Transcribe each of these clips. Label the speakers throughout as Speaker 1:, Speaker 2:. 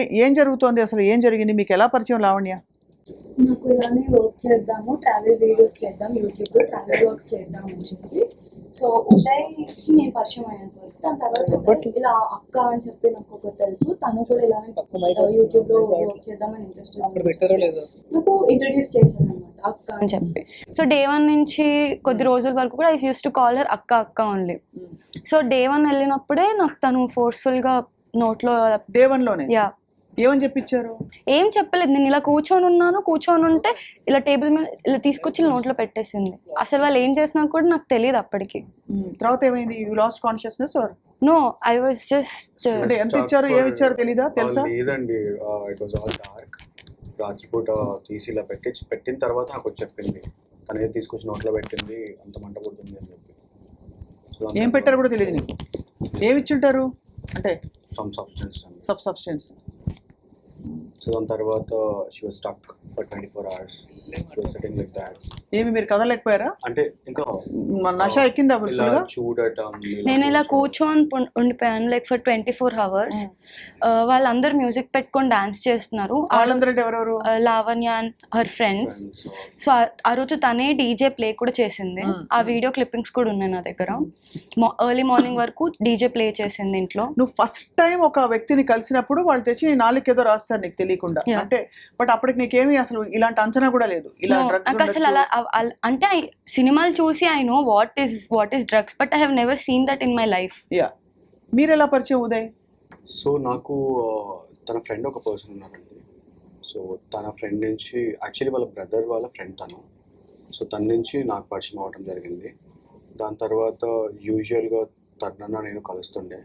Speaker 1: ఏం జరుగుతోంది అసలు? ఏం జరిగింది? మీకు ఎలా పరిచయం లావణ్య?
Speaker 2: నాకు ఇలానే వర్క్ చేద్దాము, ట్రావెల్ వీడియోస్ చేద్దాం, యూట్యూబ్లో ట్రావెల్ వర్క్స్ చేద్దాం అని చెప్పి. సో ఉదయ్కి నేను పరిచయం అయ్యాను ఫస్ట్. దాని తర్వాత ఉదయ్ ఇలా అక్క అని చెప్పి నాకు ఒకటి తెలుసు, తను కూడా ఇలానే యూట్యూబ్లో వర్క్ చేద్దామని ఇంట్రెస్ట్ నాకు ఇంట్రడ్యూస్ చేశాను అనమాట అక్క అని చెప్పి.
Speaker 3: సో డే 1 నుంచి కొద్ది రోజుల వరకు కూడా I used to call her అక్క అక్క ఓన్లీ. సో డే 1 వెళ్ళినప్పుడే నాకు తను ఫోర్స్ఫుల్గా నోట్లో
Speaker 1: డే 1లోనే
Speaker 3: యా
Speaker 1: ఏమని చెప్పించారు?
Speaker 3: ఏం చెప్పలేదు. నేను ఇలా కూర్చొని ఉంటే ఇలా టేబుల్ మీద ఇలా తీసుకొచ్చి నోట్లో పెట్టేసింది. అసలు వాళ్ళు ఏం చేస్తున్నారు కూడా నాకు తెలియదు అప్పటికి.
Speaker 1: తర్వాత ఏమైంది? You lost consciousness or
Speaker 3: no I was just
Speaker 1: అంటే ఎంత ఇచ్చారు ఏమి ఇచ్చారు తెలీదా? తెలుసా?
Speaker 4: లేదండి, ఇట్ వాజ్ ఆల్ డార్క్. రాత్రిపూట తీసి ఇలా పెట్టిన తర్వాత నాకు చెప్పింది, తనే తీసుకొచ్చి నోట్లో పెట్టింది, అంత మంట పుడుతుంది అని చెప్పి.
Speaker 1: ఏం పెట్టారు కూడా తెలియదు నీకు? ఏమి ఇచ్చుంటారు అంటే?
Speaker 4: Some
Speaker 1: substance.
Speaker 4: సో దాని తర్వాత she was stuck for 24 hours. She was sitting like that.
Speaker 1: ఏమి మీరు కదలేకపోయారా?
Speaker 4: అంటే ఇంకా
Speaker 1: నష ఎక్కిందా
Speaker 4: ఇలా చూడటం.
Speaker 3: నేను ఇలా కూర్చొని ఉండిపోయాను లైక్ ఫర్ 24 hours. వాళ్ళందరూ మ్యూజిక్ పెట్టుకొని డాన్స్ చేస్తున్నారు.
Speaker 1: వాళ్ళందరూ ఎవరెవరు?
Speaker 3: Lavanya and her friends. So ఆ రోజు తనే డీజే ప్లే కూడా చేసింది. ఆ వీడియో క్లిప్పింగ్స్ కూడా ఉన్నాయి నా దగ్గర. ఎర్లీ మార్నింగ్ వరకు డీజే ప్లే చేసింది ఇంట్లో.
Speaker 1: నువ్వు ఫస్ట్ టైం ఒక వ్యక్తిని కలిసినప్పుడు వాళ్ళు తెచ్చి నీ నాలుగు ఏదో రాస్తారు నీకు తెలియకుండా అంటే, బట్ అప్పటికి నీకేమి అసలు ఇలాంటి అంచనా కూడా లేదు ఇలా డ్రగ్స్
Speaker 3: అసలు అలా అంటే సినిమాలు చూసి I know what is drugs, but I have never seen that in my life.
Speaker 1: Yeah, మీరు ఎలా పరిచయం ఉదయ్?
Speaker 4: సో నాకు తన ఫ్రెండ్ ఒక పర్సన్ ఉన్నారండి. సో తన ఫ్రెండ్ నుంచి యాక్చువల్లీ వాళ్ళ బ్రదర్ వాళ్ళ ఫ్రెండ్ తను. సో తన నుంచి నాకు పరిచయం అవ్వడం జరిగింది. దాని తర్వాత యూజువల్గా తరుణన్న నేను కలుస్తుండే.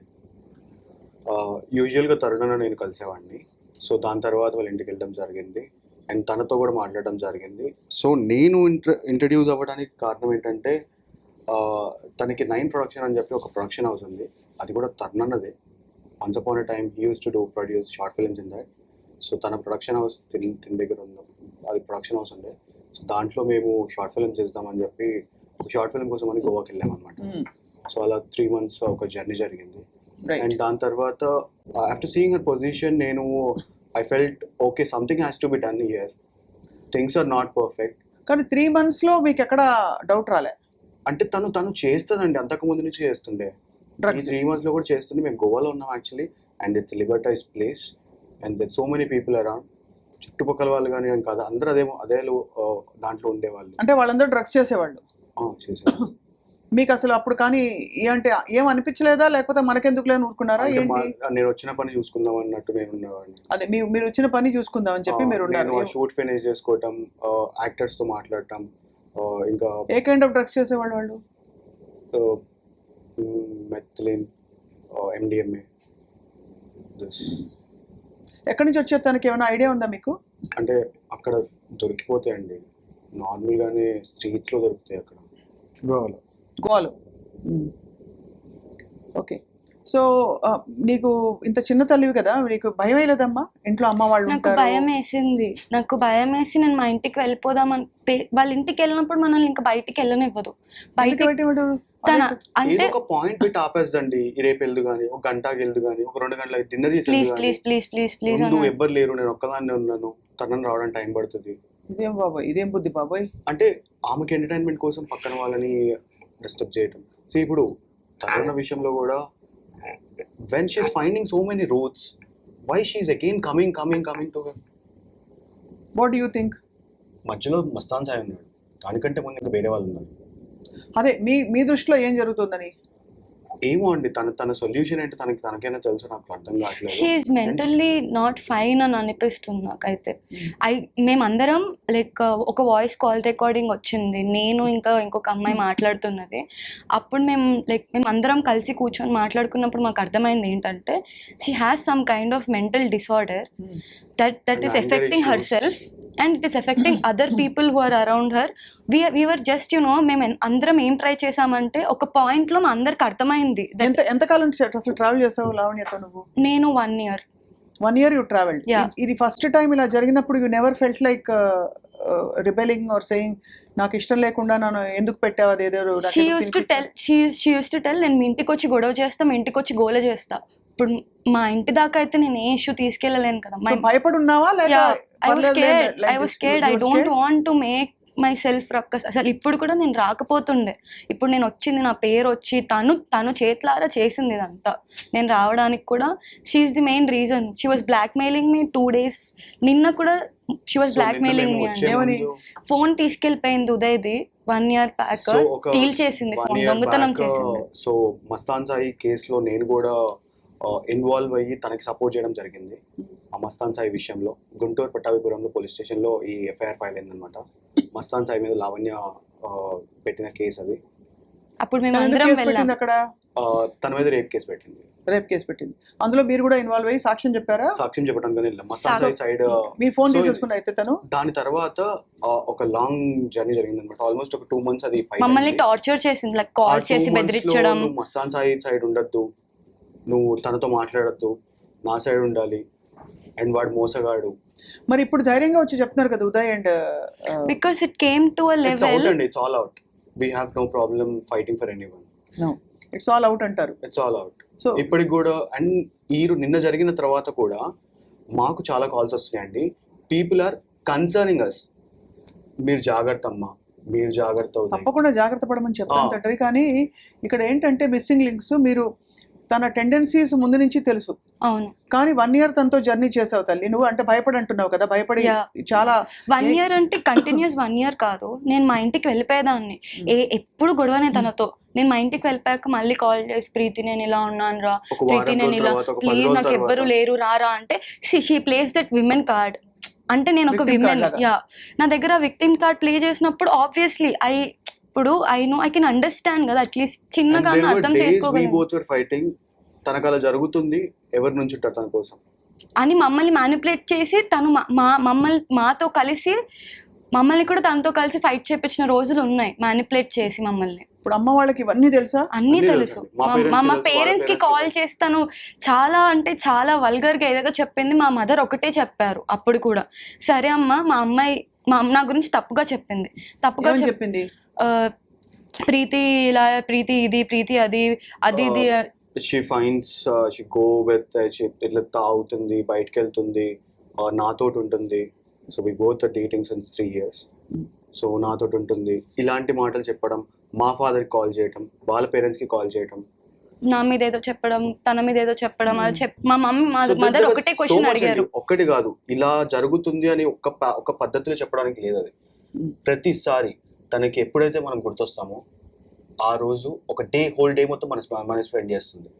Speaker 4: నేను కలిసేవాడిని. సో దాని తర్వాత వాళ్ళ ఇంటికి వెళ్ళడం జరిగింది అండ్ తనతో కూడా మాట్లాడడం జరిగింది. సో నేను ఇంట్రడ్యూస్ అవ్వడానికి కారణం ఏంటంటే, తనకి 9 ప్రొడక్షన్ అని చెప్పి ఒక ప్రొడక్షన్ హౌస్ ఉంది. అది కూడా తరుణన్నదే. Once upon a time he uses to produce short films in that. So తన ప్రొడక్షన్ హౌస్ తిన దగ్గర ఉంది, అది ప్రొడక్షన్ హౌస్ ఉండే. సో దాంట్లో మేము షార్ట్ ఫిల్మ్స్ చేద్దామని చెప్పి ఒక షార్ట్ ఫిల్మ్ కోసం అని గోవాకి వెళ్ళామన్నమాట. సో అలా 3 months ఒక జర్నీ జరిగింది. అండ్ దాని తర్వాత ఆఫ్టర్ సీయింగ్ హర్ పొజిషన్ నేను I felt okay, something has to be done here, things are not perfect.
Speaker 1: కానీ 3 months లో మీకు ఎక్కడ డౌట్ రాలే?
Speaker 4: అంటే తను చేస్తుందండి, అంతకు ముందు నుంచి చేస్తుండే. 3 months లో కూడా చేస్తుండే. మేము గోవాలో ఉన్నాం actually, and it's liberalise place and there so many people around. చుట్టుపక్కల వాళ్ళు కానీ కాదు, అందరూ అదే దాంట్లో ఉండేవాళ్ళు.
Speaker 1: అంటే వాళ్ళందరూ డ్రగ్స్ చేసేవాళ్ళు?
Speaker 4: చేసేవాళ్ళు.
Speaker 1: మీకు అసలు అప్పుడు కానీ ఏంటి ఏం అనిపించలేదా, లేకపోతే మనకెందుకు లేని ఊరుకున్నారా?
Speaker 4: నేను వచ్చిన పని చూసుకుందాం అన్నట్టు నేను ఉండేవాడిని.
Speaker 1: అదే మీరు వచ్చిన పని చూసుకుందాం అని చెప్పి మీరు ఉన్నారు.
Speaker 4: షూట్ ఫినిష్ చేసుకోవటం, యాక్టర్స్ తో మాట్లాడటం. ఇంకా
Speaker 1: ఏ కైండ్ ఆఫ్ డ్రగ్స్ చేసేవాళ్ళు వాళ్ళు?
Speaker 4: Methylene, MDMA.
Speaker 1: ఎక్కడి నుంచి వచ్చే తనకి ఏమైనా ఐడియా ఉందా మీకు?
Speaker 4: అంటే అక్కడ దొరికిపోతాయండి, నార్మల్గానే స్ట్రీట్స్ లో దొరుకుతాయి అక్కడ
Speaker 1: గోవాలో. ఓకే. సో నీకు ఇంత చిన్న తల్లివి కదా, నీకు భయం వేయలేదమ్మా? ఇంట్లో అమ్మ వాళ్ళు
Speaker 3: నాకు భయం వేసి నేను మా ఇంటికి వెళ్ళిపోదామని, వాళ్ళ ఇంటికి వెళ్ళినప్పుడు మనల్ని ఇంకా బయటికి వెళ్ళనివ్వదు.
Speaker 4: అంటే ఒక పాయింట్ పెట్టి ఆపేస్తండి, రేపు వెళ్దు కానీ, ఒక గంటకి వెళ్దు కానీ, ఒక 2 గంటలకి డిన్నర్ చేసి ఎవ్వరు లేరు, నేను ఒక్కదాన్నే ఉన్నాను, తనని రావడానికి టైం పడుతుంది.
Speaker 1: ఇదేం బాబాయ్, ఇదేం బుద్ధి బాబాయ్?
Speaker 4: అంటే ఆమెకి ఎంటర్టైన్మెంట్ కోసం పక్కన వాళ్ళని డిస్టర్బ్ చేయటం. సో ఇప్పుడు తరుణ విషయంలో కూడా when she is finding so many roads, why she is again coming to her?
Speaker 1: What do you think?
Speaker 4: మధ్యలో మస్తాన్ సాయి ఉన్నాడు, దానికంటే ముందు ఇంకా వేరే వాళ్ళు ఉన్నారు.
Speaker 1: అదే మీ దృష్టిలో ఏం జరుగుతుందని?
Speaker 4: ఏమో అండి, తన సొల్యూషన్ ఏంటో తనకైనా తెలుసు, నాకు అర్థం కావట్లేదు.
Speaker 3: She is mentally not fine అని అనిపిస్తుంది నాకైతే. మేమందరం లైక్ ఒక వాయిస్ కాల్ రికార్డింగ్ వచ్చింది, నేను ఇంకా ఇంకొక అమ్మాయి మాట్లాడుతున్నది. అప్పుడు మేము అందరం కలిసి కూర్చొని మాట్లాడుకున్నప్పుడు మాకు అర్థమైంది ఏంటంటే, she has some kind of mental disorder that is affecting herself and it is affecting other people who are around her. We were just మేము అందరం ఏం ట్రై చేసామంటే, ఒక పాయింట్ లో మా అందరికి అర్థమైంది.
Speaker 1: ఎంతకాలం అసలు ట్రావెల్ చేసావు లావణ్యతో నువ్వు?
Speaker 3: నేను 1 year.
Speaker 1: 1 year you traveled? ఇది ఫస్ట్ టైం ఇలా జరిగినప్పుడు you never felt like rebelling or saying నాకు ఇష్టం లేకుండా నన్ను ఎందుకు పెట్టావు అదేదో?
Speaker 3: She used to tell నేను మీ ఇంటికి వచ్చి గొడవ చేస్తా, మీ ఇంటికి వచ్చి గోల చేస్తా, ఇప్పుడు మా ఇంటి దాకా అయితే నేను ఏ ఇష్యూ తీసుకెళ్ళలేను కదా.
Speaker 1: So, భయపడి ఉన్నావా లేక
Speaker 3: ఐ వాస్
Speaker 1: పర్లేదులే,
Speaker 3: scared,
Speaker 1: like
Speaker 3: I was
Speaker 1: this,
Speaker 3: scared,
Speaker 1: you
Speaker 3: I
Speaker 1: were
Speaker 3: don't
Speaker 1: scared?
Speaker 3: Want to make myself ruckus. అసలు ఇప్పుడు కూడా నేను రాకపోతుండే, ఇప్పుడు నేను వచ్చింది, నా పేరు వచ్చి తను చేతులారా చేసింది ఇదంతా. నేను రావడానికి కూడా she's the main reason. She was blackmailing me 2 days. నిన్న కూడా she was blackmailing me అండి.
Speaker 1: ఏమని?
Speaker 3: ఫోన్ తీసుకెళ్ళిపోయింది ఉదయ్ది 1 year బ్యాక్, స్టీల్ చేసింది ఫోన్, దొంగతనం చేసింది.
Speaker 4: సో మస్తాన్ సాయి కేసులో నేను కూడా ఇన్వాల్వ్ అయ్యి తనకి సపోర్ట్ చేయడం జరిగింది. ఆ మస్తాన్ సాయి విషయంలో గుంటూరు పట్టాభిపురంలో పోలీస్ స్టేషన్లో ఈ ఎఫ్ఐఆర్ ఫైల్ అయిందనమాట. మస్తాన్ సాయి మీద లావణ్య పెట్టిన కేసు అది.
Speaker 3: అప్పుడు మేము
Speaker 1: తను ఎందుకు
Speaker 3: అందరం
Speaker 1: కేసు
Speaker 3: వెళ్ళాం.
Speaker 1: పెట్టింది అక్కడ?
Speaker 4: తన మీద రేప్ కేసు పెట్టింది.
Speaker 1: రేప్ కేసు పెట్టింది. అందులో మీరు కూడా ఇన్వాల్వ్ అయ్యి సాక్ష్యం చెప్పారా?
Speaker 4: సాక్ష్యం చెప్పడానికి వెళ్ళాం. మస్తాన్ సాయి సైడ్
Speaker 1: మీ ఫోన్
Speaker 4: So,
Speaker 1: తీసేసుకుని అయితే తను
Speaker 4: దాని తర్వాత ఒక లాంగ్ జర్నీ జరిగింది అనమాట. ఆల్మోస్ట్ ఒక 2 months అది fight
Speaker 3: మమ్మల్ని
Speaker 4: అయింది.
Speaker 3: టార్చర్ చేసింది, లైక్ కాల్
Speaker 4: ఆ 2
Speaker 3: చేసి
Speaker 4: months లో
Speaker 3: బెదిరించడం.
Speaker 4: నువ్వు మస్తాన్ సాయి సైడ్ ఉండొద్దు, నువ్వు తనతో మాట్లాడద్దు, నా సైడ్ ఉండాలి, అండ్ వాడు మోసగాడు.
Speaker 1: మరి ఇప్పుడు ధైర్యంగా వచ్చి చెప్తున్నారు కదా Uday and
Speaker 3: because it came to uh
Speaker 4: it's out
Speaker 3: level.
Speaker 4: అండి, it's all out. We have no problem fighting for anyone.
Speaker 1: It's all out అంటారు.
Speaker 4: It's all out.
Speaker 1: సో
Speaker 4: ఇప్పటికి కూడా అండ్ నిన్న జరిగిన తర్వాత కూడా మాకు చాలా కాల్స్ వస్తున్నాయండి. People are concerning us. మీరు జాగ్రత్త అమ్మా, మీరు జాగ్రత్త అవుతాయి.
Speaker 1: తప్పకుండా జాగ్రత్త పడమని చెప్తాను తండ్రి. కానీ ఇక్కడ ఏంటంటే మిస్సింగ్ లింక్స్, మీరు తన టెండెన్సీస్ ముందు నుంచి తెలుసు,
Speaker 3: అవును.
Speaker 1: కానీ 1 year తనతో జర్నీ చేసావు తల్లి. నువ్వు అంటే భయపడి అంటున్నావు కదా, భయపడి
Speaker 3: Yeah.
Speaker 1: చాలా
Speaker 3: 1 year అంటే కంటిన్యూస్ 1 year కాదు. నేను మా ఇంటికి వెళ్ళిపోయేదాన్ని, ఎప్పుడు గొడవనే తనతో. నేను మా ఇంటికి వెళ్ళిపోయాక మళ్ళీ కాల్ చేసి, ప్రీతి నేను ఇలా ఉన్నాను రా,
Speaker 4: ఒక వారం
Speaker 3: ప్రీతి నేను
Speaker 4: రోజుల
Speaker 3: ఇలా,
Speaker 4: తర్వాత, ఒక 10
Speaker 3: ప్లీజ్
Speaker 4: రోజుల
Speaker 3: నాకు ఎవ్వరు
Speaker 4: తర్వాత.
Speaker 3: లేరు రారా అంటే, she plays that women card. అంటే నేను ఒక
Speaker 1: Victim card
Speaker 3: విమెన్,
Speaker 1: లాగా.
Speaker 3: యా, నా దగ్గర విక్టిమ్ కార్డ్ ప్లే చేసినప్పుడు ఆబ్వియస్లీ ఇప్పుడు I know, I can understand కదా, అట్లీస్ట్ చిన్నగా అర్థం చేసుకోగలను
Speaker 4: ఫైటింగ్. తనకు అలా జరుగుతుంది, ఎవరి నుంచి ఉంటారు తన కోసం
Speaker 3: అని మమ్మల్ని మ్యానిపులేట్ చేసి, తను మాతో కలిసి మమ్మల్ని కూడా తనతో కలిసి ఫైట్ చేపించిన రోజులు ఉన్నాయి, మ్యానిపులేట్ చేసి మమ్మల్ని.
Speaker 1: ఇప్పుడు అమ్మ వాళ్ళకి ఇవన్నీ తెలుసా?
Speaker 3: అన్నీ
Speaker 4: అన్నీ
Speaker 3: తెలుసు.
Speaker 4: తెలుసు. మా parents కి
Speaker 3: మా
Speaker 4: తెలుసు,
Speaker 3: పేరెంట్స్ కి
Speaker 4: వాళ్ళ
Speaker 3: కాల్
Speaker 4: parents కి
Speaker 3: చేస్తాను, చాలా అంటే చాలా వల్గర్ గా ఏదో చెప్పింది. మా మదర్ ఒకటే చెప్పారు అప్పుడు కూడా, సరే అమ్మ, మా అమ్మాయి నా గురించి తప్పుగా చెప్పింది, తప్పుగా
Speaker 1: ఏమని చెప్పింది?
Speaker 3: ప్రీతి ఇలా, ప్రీతి ఇది, ప్రీతి అది ఇది.
Speaker 4: She fines, she go with, ఇట్లా తాగుతుంది, బయటకు వెళ్తుంది, నాతోటి ఉంటుంది. So we both dating since 3 years. సో నాతోటి ఉంటుంది, ఇలాంటి మాటలు చెప్పడం, మా ఫాదర్కి కాల్ చేయటం, వాళ్ళ పేరెంట్స్కి కాల్ చేయటం,
Speaker 3: నా మీద ఏదో చెప్పడం, తన మీద ఏదో చెప్పడం, అది మా mummy
Speaker 4: So
Speaker 3: mother
Speaker 4: there was
Speaker 3: ఒకటే
Speaker 4: so
Speaker 3: క్వశ్చన్
Speaker 4: much
Speaker 3: అడిగారు.
Speaker 4: అండి. ఒక్కటి కాదు, ఇలా జరుగుతుంది అని ఒక పద్ధతిలో చెప్పడానికి లేదు అది. ప్రతిసారి తనకి ఎప్పుడైతే మనం గుర్తొస్తామో ఆ రోజు ఒక హోల్ డే మొత్తం మనం స్పెండ్ చేస్తుంది.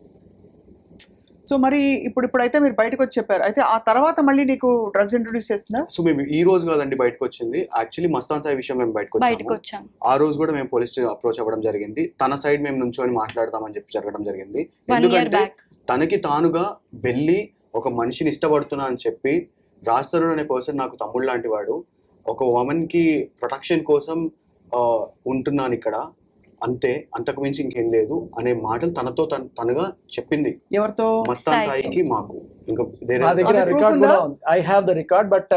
Speaker 1: సో మరి ఇప్పుడైతే మీరు బయటకు వచ్చి చెప్పారు, అయితే ఆ తర్వాత మళ్ళీ నీకు డ్రగ్స్ ఇంట్రొడ్యూస్ చేసిందా?
Speaker 4: సో మేము ఈ రోజు కాదండి బయటకు వచ్చింది, యాక్చువల్లీ మస్తాన్ సాయి విషయం మేము బయటకు
Speaker 3: వచ్చాం.
Speaker 4: ఆ రోజు కూడా మేము పోలీస్ అప్రోచ్ అవ్వడం జరిగింది. తన సైడ్ మేము నుంచొని మాట్లాడతామని చెప్పి జరగడం జరిగింది.
Speaker 3: 1 year
Speaker 4: ఎందుకంటే
Speaker 3: back.
Speaker 4: తనకి తానుగా వెళ్ళి ఒక మనిషిని ఇష్టపడుతున్నా అని చెప్పి, రాజ్ తరుణ్ అనే పర్సన్ నాకు తమ్ముడు లాంటి వాడు, ఒక ఉమెన్ కి ప్రొటెక్షన్ కోసం ఉంటున్నాను ఇక్కడ, అంతే, అంతకు మించి ఇంకేం లేదు అనే మాటలు తనగా చెప్పింది.
Speaker 1: ఎవరితో?
Speaker 4: మస్తాన్ సాయికి, మాకు. ఇంకా
Speaker 5: మా దగ్గర రికార్డ్ కూడా ఉంది. I have the record, but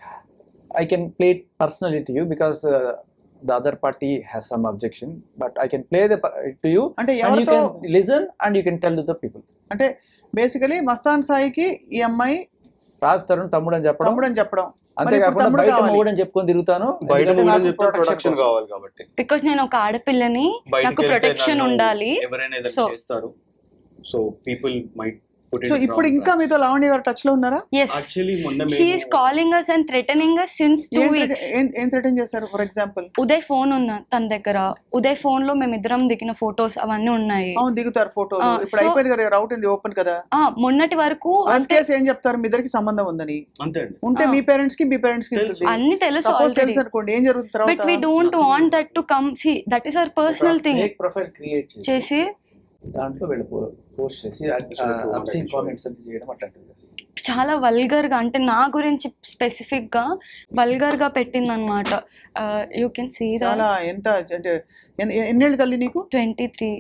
Speaker 5: I can play it personally to you because the other party has some objection, but I can play to you
Speaker 1: అంటే
Speaker 5: and you
Speaker 1: ఎవరితో?
Speaker 5: can listen and you can tell to the people.
Speaker 1: అంటే basically Mastan సాయికి ఈ అమ్మాయి
Speaker 5: రాజ్ తరుణ్ తమ్ముడు అని చెప్పడం,
Speaker 1: తమ్ముడు అని చెప్పడం,
Speaker 5: అంతేకాకుండా
Speaker 1: తమ్ముడు
Speaker 5: బయట
Speaker 1: కావాలి.
Speaker 5: మొగుడు అని చెప్పుకొని తిరుగుతాను,
Speaker 4: బయట
Speaker 5: ఎందుకంటే నాకు
Speaker 4: చెప్తే
Speaker 5: protection
Speaker 4: ప్రొటెక్షన్
Speaker 5: కోసం.
Speaker 4: కావాలి కాబట్టి.
Speaker 3: బికాస్ నేను ఒక ఆడపిల్లని,
Speaker 4: బయటికి
Speaker 3: నాకు
Speaker 4: వెళ్తే
Speaker 3: ప్రొటెక్షన్
Speaker 4: నన్ను
Speaker 3: ఉండాలి.
Speaker 4: ఎవరైనా ఏదైనా
Speaker 3: So-
Speaker 4: చేస్తారు. So people might put
Speaker 1: so ఇప్పుడు ఇంకా మీతో లావణ్య గారు టచ్ లో ఉన్నారా?
Speaker 3: ఎస్,
Speaker 4: యాక్చువల్లీ మొన్న
Speaker 3: she is calling us and threatening us since 2 weeks.
Speaker 1: ఏం థ్రెటన్ చేశారు? ఫర్ ఎగ్జాంపుల్
Speaker 3: ఉదయ్ ఫోన్ ఉంది తన దగ్గర, ఉదయ్ ఫోన్ లో మేమిద్దరం దిగిన ఫొటోస్ అవన్నీ ఉన్నాయి.
Speaker 1: అవును, దిగుతారు ఫోటోలు. ఇప్పుడు అయిపోయింది కదా, రౌట్ ఉంది ఓపెన్ కదా.
Speaker 3: మొన్నటి వరకు
Speaker 1: ఫస్ట్ కేసు ఏం చెప్తారు? మీ ఇద్దరికి సంబంధం ఉందని
Speaker 4: అంతే అండి.
Speaker 1: ఉంటే మీ పేరెంట్స్ కి
Speaker 4: తెలుసు.
Speaker 3: అన్ని తెలుసు
Speaker 1: సపోజ్
Speaker 3: ఆల్రెడీ,
Speaker 1: తెలుసు అనుకోండి, ఏం జరుగుతుంది
Speaker 3: బట్ వీ
Speaker 1: తర్వాత?
Speaker 3: Don't want that to come. See, that is our personal thing.
Speaker 5: Fake profile create
Speaker 3: చేసి
Speaker 5: దాంట్లో వెళ్ళి పోస్ట్ చేసి అబ్సీన్ కామెంట్స్ అన్ని చేయడం అట్లాంటివి చేస్తారు.
Speaker 3: చాలా వల్గర్ గా, అంటే నా గురించి స్పెసిఫిక్ గా వల్గర్ గా పెట్టింది అనమాట. యూ కెన్ సీ
Speaker 1: చాలా ఎంత అంటే ఎన్నేళ్ళు తల్లి నీకు?
Speaker 3: 23.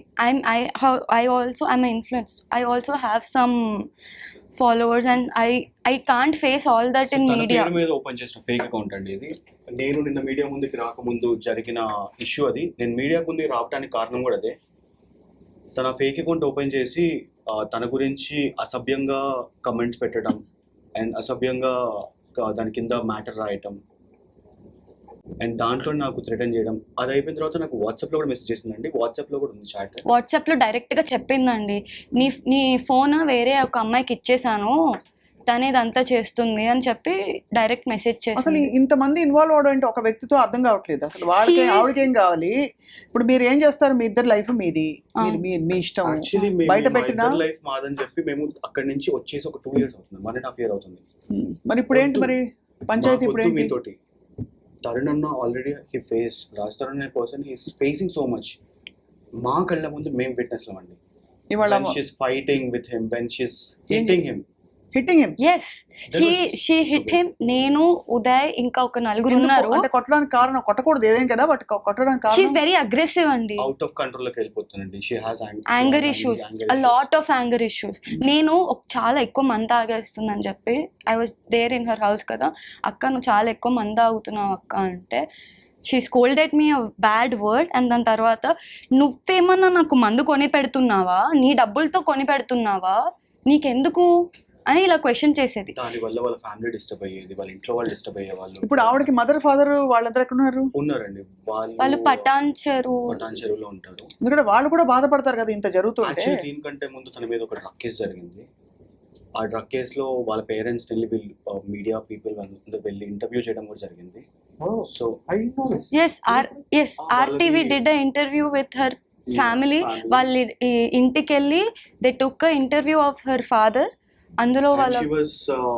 Speaker 3: I also am an influencer. I also have some followers and I can't face all that in
Speaker 4: తన
Speaker 3: media.
Speaker 4: పేరు మీద ఓపెన్ చేసిన ఫేక్ అకౌంట్ అండి ఇది. నేను నిన్న మీడియా ముందుకి రాకముందు జరిగిన ఇష్యూ అది. నేను మీడియా ముందుకు రావడానికి కారణం కూడా అదే. తన ఫేక్ అకౌంట్ ఓపెన్ చేసి తన గురించి అసభ్యంగా కమెంట్స్ పెట్టడం అండ్ అసభ్యంగా దాని కింద మ్యాటర్ రాయటం అండ్ దాంట్లో నాకు థ్రెటన్ చేయడం. అది అయిపోయిన తర్వాత నాకు వాట్సాప్లో కూడా మెసేజ్ చేసిందండి. వాట్సాప్లో కూడా ఉంది చాట్.
Speaker 3: వాట్సాప్లో డైరెక్ట్గా చెప్పిందండి, నీ ఫోన్ వేరే ఒక అమ్మాయికి ఇచ్చేసాను, తనే ఇదంతా చేస్తుంది అని చెప్పి డైరెక్ట్ మెసేజ్
Speaker 1: అసలు
Speaker 3: చేసింది.
Speaker 1: ఇంతమంది ఇన్వాల్వ్ అవడం అంటే ఒక వ్యక్తితో అర్థం కావట్లేదు అసలు. వాళ్ళకి ఆవిడకి ఏం కావాలి? ఇప్పుడు మీరు ఏం చేస్తారు? మీ ఇద్దరు లైఫ్ మీది, మీ ఇష్టం.
Speaker 4: యాక్చువల్లీ
Speaker 1: బయట పెట్టినా
Speaker 4: లైఫ్ మాదని చెప్పి మేము అక్కడి నుంచి వచ్చేసి ఒక 2 years అవుతుంది, 1.5 year అవుతుంది.
Speaker 1: మరి ఇప్పుడు ఏంటి మరి పంచాయతీ? ఇప్పుడు ఏంటి?
Speaker 4: మీతోటి తరుణ్ అన్న ఆల్రెడీ రాజ్ తరుణ్ అనే person he's facing so much. మా కళ్ళ ముందు మేము విట్నెస్లం అండి.
Speaker 1: ఇవాళ
Speaker 4: when she's fighting with him, when she's hitting him.
Speaker 1: Hitting him.
Speaker 3: Yes, she hit him. నేను, ఉదయ్, ఇంకా ఒక నలుగురు ఉన్నారు.
Speaker 1: అంటే కొట్టడానికి కారణం, కొట్టకూడదు ఏదేం కదా, బట్ కొట్టడానికి
Speaker 3: షీఈస్
Speaker 1: కారణం
Speaker 3: వెరీ అగ్రెసివ్ అండి.
Speaker 4: అవుట్ ఆఫ్ కంట్రోల్ లోకి వెళ్ళిపోతుందండి. She has
Speaker 3: anger issues, a lot of anger issues. నేను చాలా ఎక్కువ మంది తాగేస్తుందని చెప్పి I was there in her house కదా, అక్క నువ్వు చాలా ఎక్కువ మంది తాగుతున్నావు అక్క అంటే she scolded me a bad word. And దాని తర్వాత నువ్వేమన్నా నాకు మందు కొని పెడుతున్నావా, నీ డబ్బులతో కొని పెడుతున్నావా, నీకెందుకు అని ఇలా క్వశ్చన్ చేసేది.
Speaker 4: దాని వల్ల వాళ్ళ ఫ్యామిలీ డిస్టర్బ్ అయ్యేది, వాళ్ళ ఇంట్లో వాళ్ళు డిస్టర్బ్ అయ్యే వాళ్ళు.
Speaker 1: ఇప్పుడు ఆవిడకి మదర్ ఫాదర్ వాళ్ళందరూ ఎక్కడ ఉన్నారు?
Speaker 4: ఉన్నారండి,
Speaker 3: వాళ్ళు పటాన్
Speaker 4: చెరువులో ఉంటారు.
Speaker 1: ఎందుకంటే వాళ్ళు కూడా బాధపడతారు కదా ఇంత జరుగుతుంటే.
Speaker 4: యాక్చువల్లీ దీనికంటే ముందు తన మీద ఒక డ్రగ్ కేసు జరిగింది. ఆ డ్రగ్ కేసులో వాళ్ళ పేరెంట్స్ వెళ్ళి మీడియా పీపుల్ అందరూ వెళ్ళి ఇంటర్వ్యూ చేయడం కూడా జరిగింది. So
Speaker 3: yes RTV did a interview with her family. వాళ్ళ ఇంటికి వెళ్ళి they took a interview of her father. అందులో వాళ్ళ
Speaker 4: she was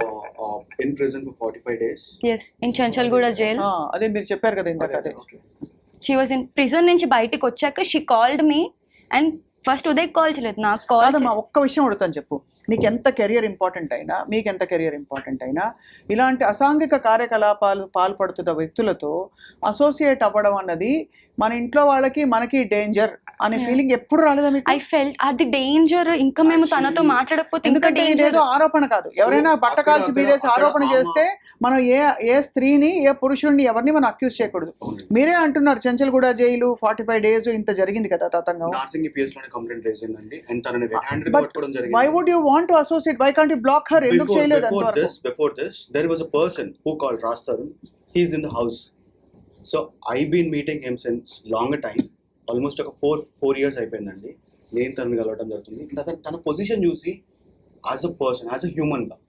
Speaker 4: in prison for 45 days.
Speaker 3: Yes, in Chanchalguda jail.
Speaker 1: అదే మీరు చెప్పారు కదా ఇందాక. అదే
Speaker 3: షీ వాజ్ ఇన్ ప్రిజన్ నుంచి బయటికి వచ్చాక she called me and first Uday call చేయలేదు, నాకు కాల్.
Speaker 1: కాదమ్మా, ఒక్క విషయం అడుగుతాను చెప్పు. నీకు ఎంత కెరియర్ ఇంపార్టెంట్ అయినా, మీకు ఎంత కెరియర్ ఇంపార్టెంట్ అయినా, ఇలాంటి అసాంఘిక కార్యకలాపాలు పాల్పడుతున్న వ్యక్తులతో అసోసియేట్ అవ్వడం అన్నది మన ఇంట్లో వాళ్ళకి మనకి డేంజర్ అనే ఫీలింగ్ ఎప్పుడు రాలేదా మీకు?
Speaker 3: ఐ ఫెల్ట్ అది డేంజర్. ఇంకా మేము తనతో మాట్లాడకపోతే ఇంకా
Speaker 1: ఎందుకంటే
Speaker 3: డేంజర్.
Speaker 1: ఏదో ఆరోపణ కాదు, ఎవరైనా బట్ట కాల్చి బీడేసి ఆరోపణ చేస్తే మనం ఏ స్త్రీని, ఏ పురుషుడిని, ఎవరిని మనం అక్యూజ్ చేయకూడదు. మీరే అంటున్నారు చెంచల్గూడ జైలు 45 days ఇంత జరిగింది కదా తతంగం.
Speaker 4: నార్సింగ్ పిఎస్ లోనే కంప్లైంట్ రేజ్ అయిందండి అండ్ తనని రెడ్ హ్యాండెడ్ గా పట్టుకోవడం జరిగింది.
Speaker 1: Why would you want to associate? Why can't you block her? ఎందుకు చేయలేదు అంతవరకు?
Speaker 4: Before this there was a person who called Raj Tarun. He is in the house. So I've been meeting him since longer time. Almost ఒక 4 years అయిపోయిందండి నేను తనని కలవడం జరుగుతుంది. తన పొజిషన్ చూసి as a person, as a human గా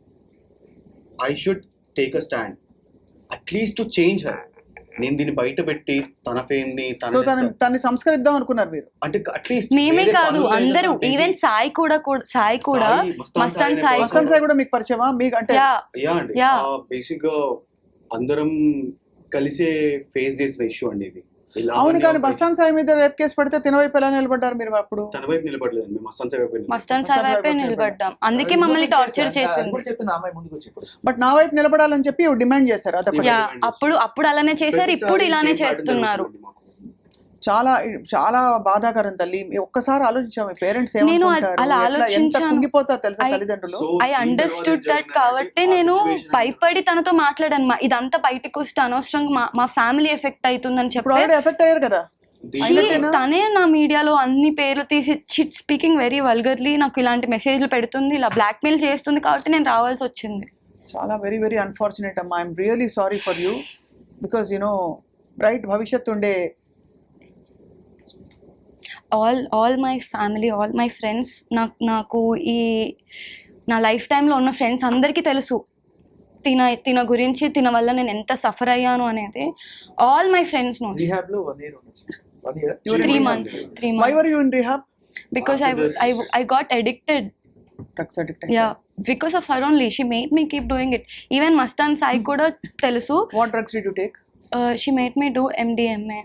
Speaker 4: I should take a stand at least to change her. నేను దీన్ని బయట పెట్టి తన ఫేమ్ ని
Speaker 1: తనని సంస్కరిద్దాం అనుకున్నారు మీరు?
Speaker 4: అంటే అట్లీస్ట్
Speaker 3: మేమే కాదు అందరూ, ఈవెన్ సాయి కూడా మస్తాన్ సాయి
Speaker 1: కూడా మీకు పరిచయమా? మీకు అంటే
Speaker 4: యా అండి, బేసిక్ గా అందరం కలిసే ఫేస్ చేసిన ఇష్యూ అండి ఇది.
Speaker 1: అవును, కానీ మస్తాన్ సాయి మీద రేప్ కేసు పడితే తిన వైపు ఎలా నిలబడ్డారు మీరు? అప్పుడు
Speaker 4: తన వైపు నిలబడలేదు, మేము
Speaker 3: మస్తాన్ సాయి వైపే నిలబడ్డాం. అందుకే మమ్మల్ని టార్చర్ చేసింది.
Speaker 1: బట్ నా వైపు నిలబడాలని చెప్పి డిమాండ్ చేశారు.
Speaker 3: అప్పుడు అలానే చేశారు, ఇప్పుడు ఇలానే చేస్తున్నారు.
Speaker 1: చాలా చాలా బాధాకరం తల్లి. ఒక్కసారి ఆలోచించాము పేరెంట్స్
Speaker 3: నేను అలా ఆలోచించాను,
Speaker 1: కుంగిపోతారు తెలుసా తల్లిదండ్రులు.
Speaker 3: I understood that. కాబట్టి నేను భయపడి తనతో మాట్లాడాను. ఇదంతా బయటకు వస్తే అనవసరంగా మా ఫ్యామిలీ ఎఫెక్ట్ అవుతుందని చెప్పి
Speaker 1: ఎఫెక్ట్ అయ్యారు కదా.
Speaker 3: తనే నా మీడియాలో అన్ని పేర్లు తీసి స్పీకింగ్ వెరీ వల్గర్లీ నాకు ఇలాంటి మెసేజ్లు పెడుతుంది, ఇలా బ్లాక్మెయిల్ చేస్తుంది. కాబట్టి నేను రావాల్సి వచ్చింది.
Speaker 1: చాలా వెరీ వెరీ అన్ఫార్చునేట్ అమ్మా. I'm really sorry for you because you know bright భవిష్యత్తు ఉండే
Speaker 3: all my family, all my friends, నాకు ఈ నా లైఫ్ టైంలో ఉన్న ఫ్రెండ్స్ అందరికీ తెలుసు తిన గురించి, తిన వల్ల నేను ఎంత సఫర్ అయ్యాను అనేది. All my friends know. 3 months.
Speaker 1: Why were you in rehab?
Speaker 3: Because I got addicted.
Speaker 1: Drugs addict.
Speaker 3: Yeah, because of her only. She made me keep doing it. Even Mastan Sai kuda telusu.
Speaker 1: What drugs did you take?
Speaker 3: She made me do MDMA.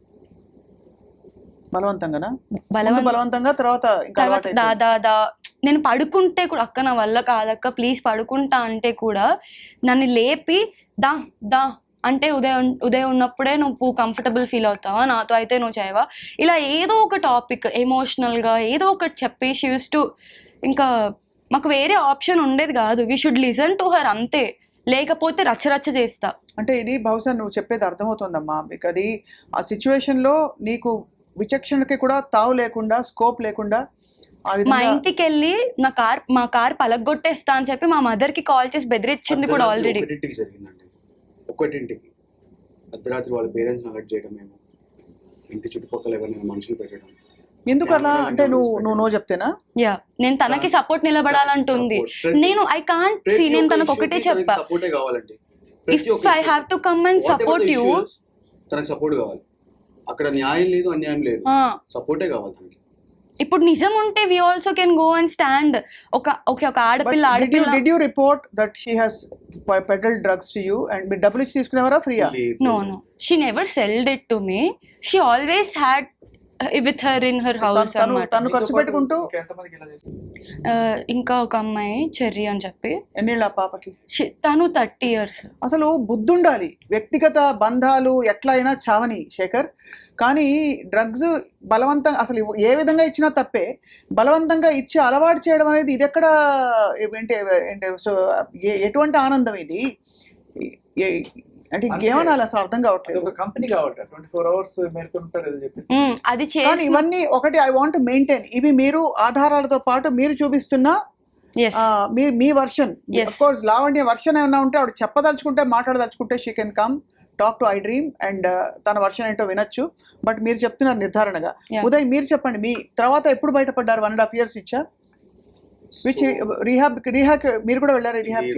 Speaker 1: బలవంతంగా తర్వాత
Speaker 3: దాదా నేను పడుకుంటే కూడా అక్క నా వల్ల కాదక్క please పడుకుంటా అంటే కూడా నన్ను లేపి దా అంటే ఉదయం ఉన్నప్పుడే నువ్వు కంఫర్టబుల్ ఫీల్ అవుతావా, నాతో అయితే నువ్వు చేయవా, ఇలా ఏదో ఒక టాపిక్ ఎమోషనల్గా ఏదో ఒకటి చెప్పి షీ యూస్ టు, ఇంకా మాకు వేరే ఆప్షన్ ఉండేది కాదు. We should listen to her అంతే, లేకపోతే రచ్చరచ్చ చేస్తా.
Speaker 1: అంటే ఇది బహుశా నువ్వు చెప్పేది అర్థమవుతుందమ్మా. మీకు అది ఆ సిచ్యువేషన్లో నీకు విచక్షణకి కూడా తావు లేకుండా, స్కోప్ లేకుండా ఆ
Speaker 3: మా
Speaker 1: విధంగా
Speaker 3: ఇంటికి వెళ్ళి మా కార్ పలగొట్టేస్తా అని చెప్పి మా మదర్ కి కాల్ చేసి బెదిరించింది కూడా ఆల్రెడీ.
Speaker 4: ఒకటింటికి జరిగిందండి, ఒకటింటికి అర్ధరాత్రి వాళ్ళ పేరెంట్స్ అలర్ట్ చేయడం, మేము ఇంటి చుట్టుపక్కల ఎవరైనా మనుషులు పెట్టడం.
Speaker 1: ఎందుకు అలా అంటే నువ్వు చెప్తేనా?
Speaker 3: యా, నేను తనకి సపోర్ట్ నిలబడాలంటుంది. నేను ఐ కాంట్ సీ, నేను తనకు ఒకటే చెప్పా,
Speaker 4: సపోర్టే కావాలండి.
Speaker 3: If I have to come and support you,
Speaker 4: తనకు సపోర్ట్ కావాలి. అక్కడ న్యాయం లేదు, అన్యాయం లేదు, సపోర్టే కావాలి తనకి.
Speaker 3: ఇప్పుడు నిజం ఉంటే we also can go and stand. ఒక ఆడపిల్ల
Speaker 1: Did you report that she has peddled drugs to you and మీరు డబ్బులు ఇచ్చి తీసుకునేవారా ఫ్రీయా?
Speaker 3: No, she never sold it to me. She always had with her in her house అన్నమాట.
Speaker 1: తను ఖర్చు పెట్టుకుంటూ.
Speaker 5: ఎంతమందికి ఇలా చేసింది?
Speaker 3: ఇంకా ఒక అమ్మాయి చెర్రీ అని చెప్పి,
Speaker 1: ఎన్నేళ్ళ ఆ పాపకి?
Speaker 3: తను 30 years.
Speaker 1: అసలు బుద్ధి ఉండాలి. వ్యక్తిగత బంధాలు ఎట్లా అయినా చావని శేఖర్, కానీ డ్రగ్స్ బలవంతంగా అసలు ఏ విధంగా ఇచ్చినా తప్పే. బలవంతంగా ఇచ్చి అలవాటు చేయడం అనేది ఇది ఎక్కడ సో ఎటువంటి ఆనందం ఇది? అంటే ఇంకేమనాలి అసలు అర్థం కావట్లేదు.
Speaker 5: ఒక కంపెనీ కావాలి 24 hours మేల్కొంటారు ఏదో చెప్పి.
Speaker 3: అది
Speaker 1: కానీ ఇవన్నీ ఒకటి ఐ వాంట్ మెయింటైన్. ఇవి మీరు ఆధారాలతో పాటు మీరు చూపిస్తున్న మీ version. Of course Lavanya version ఏమన్నా ఉంటే ఆవిడ చెప్పదలుచుకుంటే మాట్లాడదలుచుకుంటే she can come talk to I dream and తన వర్షన్ ఏంటో వినొచ్చు. బట్ మీరు చెప్తున్నారు నిర్ధారణగా. ఉదయ్ మీరు చెప్పండి, మీ తర్వాత ఎప్పుడు బయటపడ్డారు? 1.5 years ఇచ్చా విచ్ రీహాబ్ మీరు కూడా వెళ్ళారు రీహాబ్?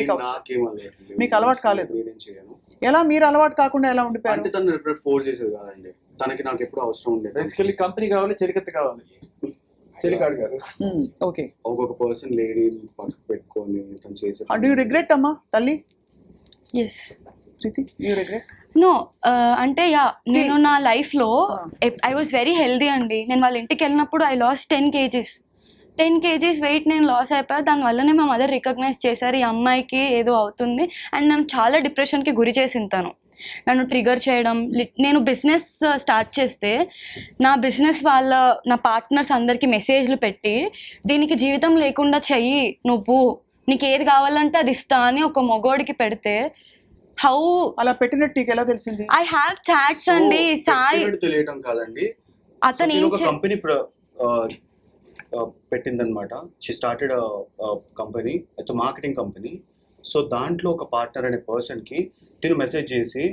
Speaker 1: మీకు అలవాటు కాలేదు. ఎలా మీరు అలవాటు కాకుండా ఎలా ఉండిపోయారు?
Speaker 4: అంటే తను ఫోర్స్ చేసేది కాదండి, తనకి నాకు ఎప్పుడు అవసరం ఉండేది.
Speaker 5: బేసికల్లీ కంపెనీ కావాలి, చెలికత్తి కావాలి, చెలికాడు కాదు.
Speaker 1: ఓకే,
Speaker 4: ఒక్కొక్క పర్సన్ లేడీ పక్కకు పెట్టుకొని తను చేసే.
Speaker 1: డూ యూ రిగ్రెట్ అమ్మా తల్లి?
Speaker 3: Yes.
Speaker 1: Preethi, you regret?
Speaker 3: No, అంటే నేను నా లైఫ్లో ఐ వాజ్ వెరీ హెల్దీ అండి. నేను వాళ్ళ ఇంటికి వెళ్ళినప్పుడు ఐ లాస్ట్ 10 kgs వెయిట్ నేను లాస్ అయిపోయా. దానివల్లనే మా మదర్ రికగ్నైజ్ చేశారు ఈ అమ్మాయికి ఏదో అవుతుంది, అండ్ నన్ను చాలా డిప్రెషన్కి గురి చేసింది తను. నన్ను ట్రిగర్ చేయడం. నేను బిజినెస్ స్టార్ట్ చేస్తే నా పార్ట్నర్స్ అందరికీ మెసేజ్లు పెట్టి దీనికి జీవితం లేకుండా చెయ్యి, నువ్వు నీకు ఏది కావాలంటే అది ఇస్తా అని ఒక మగోడికి పెడితే హౌ
Speaker 1: అలా పెట్టినట్టు నీకు ఎలా తెలిసింది?
Speaker 3: ఐ హ్యావ్ చాట్స్ అండి. సాయి
Speaker 4: తెలియటం కాదండి,
Speaker 3: అతను
Speaker 4: ఒక కంపెనీ పెట్టిందనమాట. She started company, it's marketing company. So దాంట్లో ఒక పార్ట్నర్ అనే పర్సన్కి తిను మెసేజ్ చేసి